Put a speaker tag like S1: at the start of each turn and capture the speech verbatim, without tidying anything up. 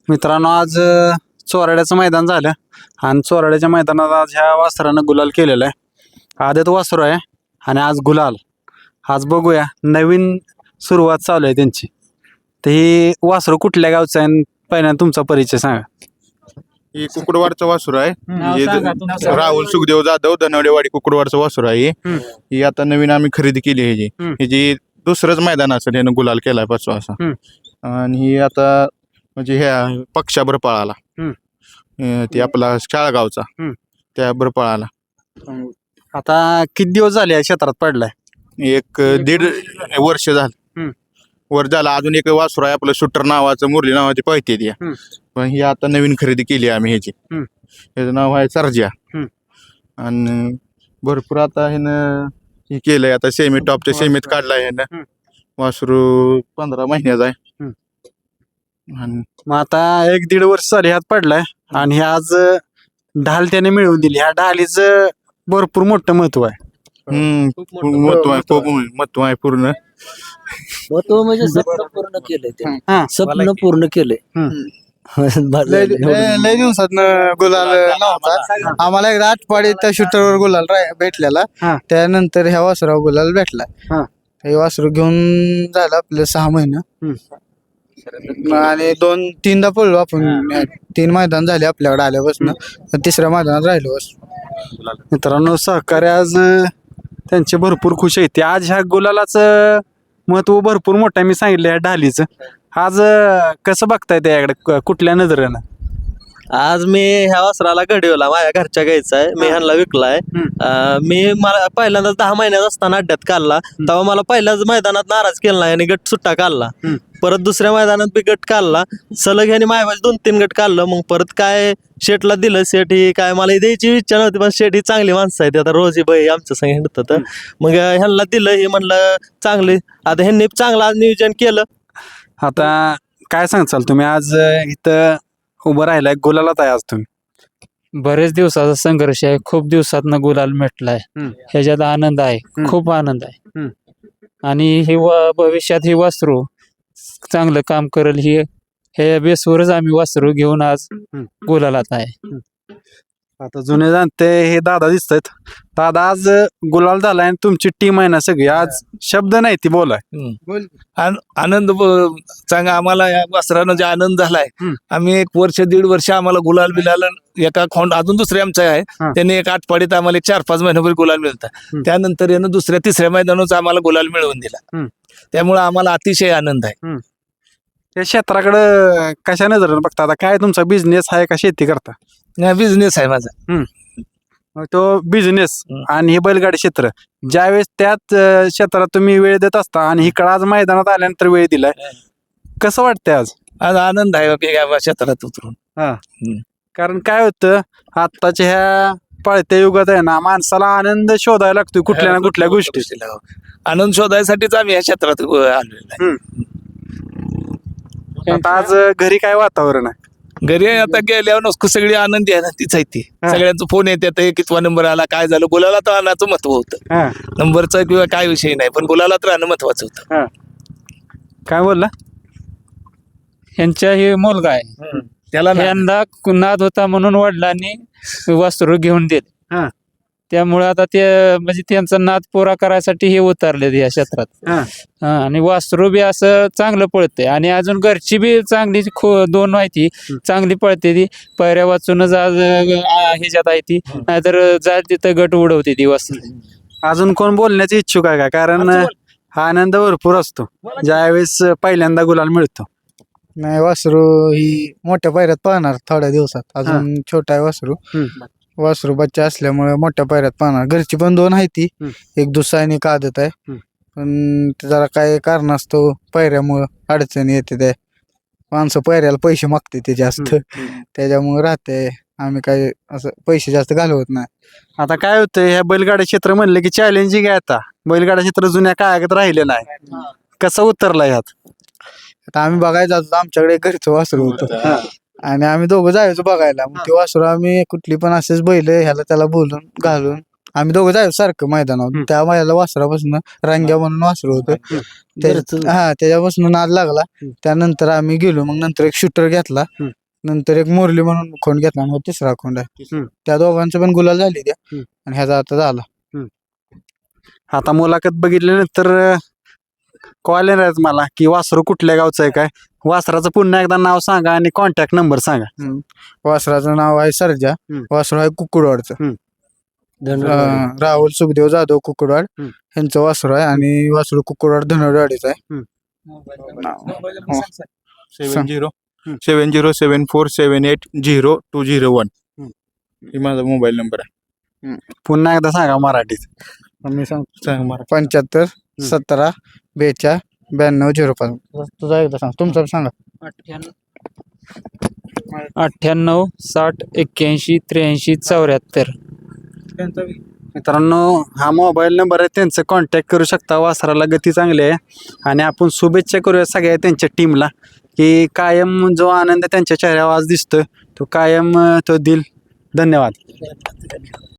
S1: मित्रांनो आज अ, चोराड्याचं मैदान झालं आणि चोराड्याच्या मैदानात आज ह्या वासरानं गुलाल केलेला आहे. आदत वासरू आहे आणि आज गुलाल. आज बघूया नवीन सुरुवात चालू आहे त्यांची. तर ही वासरू कुठल्या गावचं आहे आणि पहिल्यांदा तुमचा परिचय सांगा.
S2: ही कुकुडवाडचं वासुर आहे.
S1: नाव
S2: हे
S1: सांगा
S2: ज-
S1: तुमचं.
S2: राहुल सुखदेव जाधव धनवडेवाडी कुकुडवाडचं वासुर आहे.
S1: हम्म.
S2: ही आता नवीन आम्ही खरेदी केली आहे ह्याची.
S1: हम्म.
S2: ह्याची दुसरंच मैदान असेल यानं गुलाल केलाय पाचवा असा.
S1: हम्म.
S2: आणि ही आता म्हणजे ह्या पक्षाभर पळाला.
S1: हम्म.
S2: अं, ते आपला शाळगावचा
S1: हम्म.
S2: त्याभर पळाला.
S1: आता किती दिवस झाले या क्षेत्रात पडलाय?
S2: एक अं, दीड वर्ष झालं.
S1: हम्म.
S2: वर झाला. अजून एक वासुर आहे आपलं शूटर नावाचं, मुरली नावाची पळते ती.
S1: हम्म.
S2: पण ही आता नवीन खरेदी केली आहे आम्ही ह्याची.
S1: हम्म.
S2: ह्याचं नाव आहे सर्जा.
S1: हम्म.
S2: आणि भरपूर आता ह्यानं हे केलंय. आता सेमी टॉपच्या सेमीत काढलाय ह्यानं.
S1: हम्म.
S2: वासरू पंधरा महिन्याचा आहे.
S1: हम्म.
S2: आणि
S1: मग आता एक दीड वर्ष झाले ह्यात पडलाय आणि हे आज अ, ढाल त्याने मिळवून दिली. ह्या ढालीचं भरपूर मोठं महत्व आहे.
S2: हम्म, महत्व आहे, खूप महत्व आहे पूर्ण.
S3: महत्व म्हणजे स्वप्न पूर्ण केलंय ते.
S1: हा.
S3: स्वप्न पूर्ण केलंय.
S4: लय लय- लय दिवसात गुलाल नव्हता. आम्हाला एकदा आठपाडी त्या शूटरवर गुलाल राह- भेटलेला.
S1: हा.
S4: त्यानंतर ह्या वासरावर गुलाल भेटला.
S1: हा.
S4: हे वासरू घेऊन झालं आपलं सहा महिने आणि दोन तीनदा पडलो आपण. तीन मैदान झाले आपल्याकडे आल्यापासून. तिसऱ्या मैदानात राहिलो वासरू.
S1: मित्रांनो सहकार्य आज अ, त्यांचे भरपूर खुश आहेत. ते आज ह्या गुलालाचं महत्व भरपूर मोठं आहे. मी सांगितलं ह्या ढालीचं. आज अ, कसं बघताय त्याकडे क- कुठल्या नजरेनं?
S3: आज मी ह्या वासराला घडवला माझ्या घरच्या गायचा आहे. मी ह्यांना विकलाय. अं, मी मला पहिल्यांदा दहा महिन्यात असताना अड्ड्यात काढला. तेव्हा मला पहिल्याच मैदानात नाराज केला नाही आणि गट सुट्टा काढला.
S1: हम्म.
S3: परत दुसऱ्या मैदानात बी गट काढला. सलग ह्याने माझ्या दोन तीन गट काढलं. मग परत काय शेटला दिलं. शेट ही काय मला द्यायची इच्छा नव्हती, पण शेट ही चांगली माणसं आहेत. आता रोजी बाई आमच्या संग हिंडतात. मग ह्यांना दिलं. हे म्हणलं चांगले. आता ह्यांनी चांगलं आज नियोजन केलं.
S1: आता काय सांगचाल तुम्ही आज अ, इथं उभं राहिलाय गुलालात आहे आज तुम्ही?
S5: बरेच दिवसाचा संघर्ष आहे. खूप दिवसातनं गुलाल भेटलाय.
S1: हम्म.
S5: ह्याच्यात आनंद आहे.
S1: हम्म.
S5: खूप आनंद आहे.
S1: हम्म.
S5: आणि ही व- भविष्यात ही वासरू चांगलं काम करेल ही हे बेसवरच आम्ही वासरू घेऊन आज
S1: हम्म.
S5: गुलालात आहे.
S1: आता जुने जाणते हे दादा दिसतात. दादा आज अ, गुलाल झालाय आणि तुमची टीम आहे ना सगळी. आज शब्द नाही ती बोलाय.
S6: आन- आनंद ब- चांगला आम्हाला या वस्त्रानं जे आनंद झालाय.
S1: हम्म.
S6: आम्ही एक वर्ष दीड वर्ष आम्हाला गुलाल बिलाल एका खोंड अजून दुसरे आमचा आहे.
S1: हा.
S6: त्याने एक आठपाडीत आम्हाला एक चार पाच महिन्याभर गुलाल मिळतात.
S1: हम्म.
S6: त्यानंतर यानं दुसऱ्या तिसऱ्या मैदानाच आम्हाला गुलाल मिळवून दिला.
S1: हम्म.
S6: त्यामुळे आम्हाला अतिशय आनंद आहे.
S1: या क्षेत्राकडे कशा नजरेनं बघता? आता काय तुमचा बिझनेस आहे का शेती करता?
S6: बिझनेस आहे माझा.
S1: मग तो बिझनेस
S6: हम्म.
S1: आणि हे बैलगाडी क्षेत्र ज्यावेळेस त्यात अ, क्षेत्रात तुम्ही वेळ देत असता आणि इकडं आज मैदानात आल्यानंतर वेळ दिलाय, कसं वाटतंय आज?
S6: आज आनंद आहे की या क्षेत्रात उतरून.
S1: कारण काय होतं आत्ताच्या ह्या पळत्या युगात आहे ना माणसाला आनंद शोधायला लागतोय कुठल्या ना कुठल्या गोष्टी.
S6: आनंद शोधायसाठीच आम्ही या क्षेत्रात आलेलो आहे.
S1: आता आज घरी काय वातावरण आहे?
S6: घरी आता गेल्यावर नुसतं सगळी आनंदी आहे ना, तीच आहे ती.
S1: हा.
S6: सगळ्यांचा फोन येतात कितवा नंबर आला, काय झालं. गुलाला तर आणायचं महत्व होतं.
S1: हा.
S6: नंबरचा किंवा काय विषय नाही, पण गुलालात राहणं महत्वाचं होतं.
S1: काय बोलला?
S5: ह्यांच्या हे मुलगा आहे.
S6: त्याला ना-
S5: यंदा नाद होता म्हणून वडिलांनी वासरू घेऊन दिले.
S1: हा.
S5: त्यामुळे आता ते म्हणजे त्यांचा नाद पुरा करायसाठी हे उतरले या क्षेत्रात.
S1: हा.
S5: हा, आणि वासरू बी असं चांगलं पळते आणि अजून घरची बी चांगली खो दोन माहिती चांगली पळते ती. पैऱ्या वाचूनच आज आ, ह्याच्यात आहे ती. नाहीतर जा तिथं गट उडवते ती वासरू.
S1: अजून कोण बोलण्याची इच्छुक आहे का? कारण अ, हा आनंद भरपूर असतो ज्यावेळेस पहिल्यांदा गुलाल मिळतो.
S4: नाही वासरू ही मोठ्या पायऱ्यात पाहणार थोड्या दिवसात. अजून छोटा आहे वासरू.
S1: हम्म.
S4: वासरू बच्चा असल्यामुळे मोठ्या पायऱ्यात पाहणार. घरची पण दोन आहे ती.
S1: हम्म.
S4: एक दुसरा आणि एक आदत आहे.
S1: हम्म.
S4: पण ते जरा काय कारण असतो पायऱ्यामुळं अडचणी येते. ते माणसं पायऱ्याला पैसे मागते ते जास्त. त्याच्यामुळे राहते. आम्ही काय असं पैसे जास्त घालवत नाही.
S1: आता काय होतं ह्या बैलगाडी क्षेत्र म्हणलं की चॅलेंजिंग आहे. आता बैलगाडी क्षेत्र जुन्या काळात राहिलेलं आहे. कसं उतरलं ह्यात?
S4: आता आम्ही बघायला जातो आमच्याकडे एक घरचं वासरू होतं आणि आम्ही दोघं जायचो बघायला. मग ते वासरू आम्ही कुठली पण असेच बैल ह्याला त्याला बोलून घालून आम्ही दोघं जायचो सारखं मैदानावर. त्या मैदानाला वासरापासून रांग्या म्हणून वासरू होतं. त्या- हा त्याच्यापासून नाद लागला. त्यानंतर आम्ही गेलो. मग नंतर एक शूटर घेतला.
S1: हम्म.
S4: नंतर एक मोरली म्हणून खोंड घेतला. मग तिसरा खोंड आहे.
S1: हम्म.
S4: त्या दोघांचं पण गुलाल झाली त्या.
S1: हम्म.
S4: आणि ह्याचा आता झाला.
S1: आता मुलाखत बघितल्यानंतर कॉल येणार आहेत मला की वासरू कुठल्या गावचं आहे काय. वासराचं पुन्हा एकदा नाव सांगा आणि कॉन्टॅक्ट नंबर सांगा.
S4: वासराचं नाव आहे सर्जा.
S1: हम्म.
S4: वासरू आहे कुकुडवाडचं.
S1: हम्म.
S4: अं, राहुल सुखदेव जाधव कुकुडवाड
S1: हम्म.
S4: यांचं वासरू आहे. आणि वासरू कुकुडवाड धनवडवाडीचं आहे.
S2: Seven zero seven zero seven four seven eight zero two zero one ही माझा मोबाईल नंबर आहे.
S1: पुन्हा एकदा सांगा मराठीत.
S4: मी सांगतो
S2: सांग मला.
S4: पंच्याहत्तर सतरा बेचाळ ब्याण्णव झिरो पाच. तुझा एकदा सांग. तुमचं सांगा.
S5: अठ्ठ्याण्णव साठ एक्क्याऐंशी त्र्याऐंशी चौऱ्याहत्तर.
S1: मित्रांनो हा मोबाईल नंबर आहे, त्यांचं कॉन्टॅक्ट करू शकता. वासराला गती चांगली आहे आणि आपण शुभेच्छा करूया सगळ्या त्यांच्या टीमला की कायम जो आनंद त्यांच्या चेहऱ्यावर आज दिसतोय तो कायम अं, तो दिल. धन्यवाद.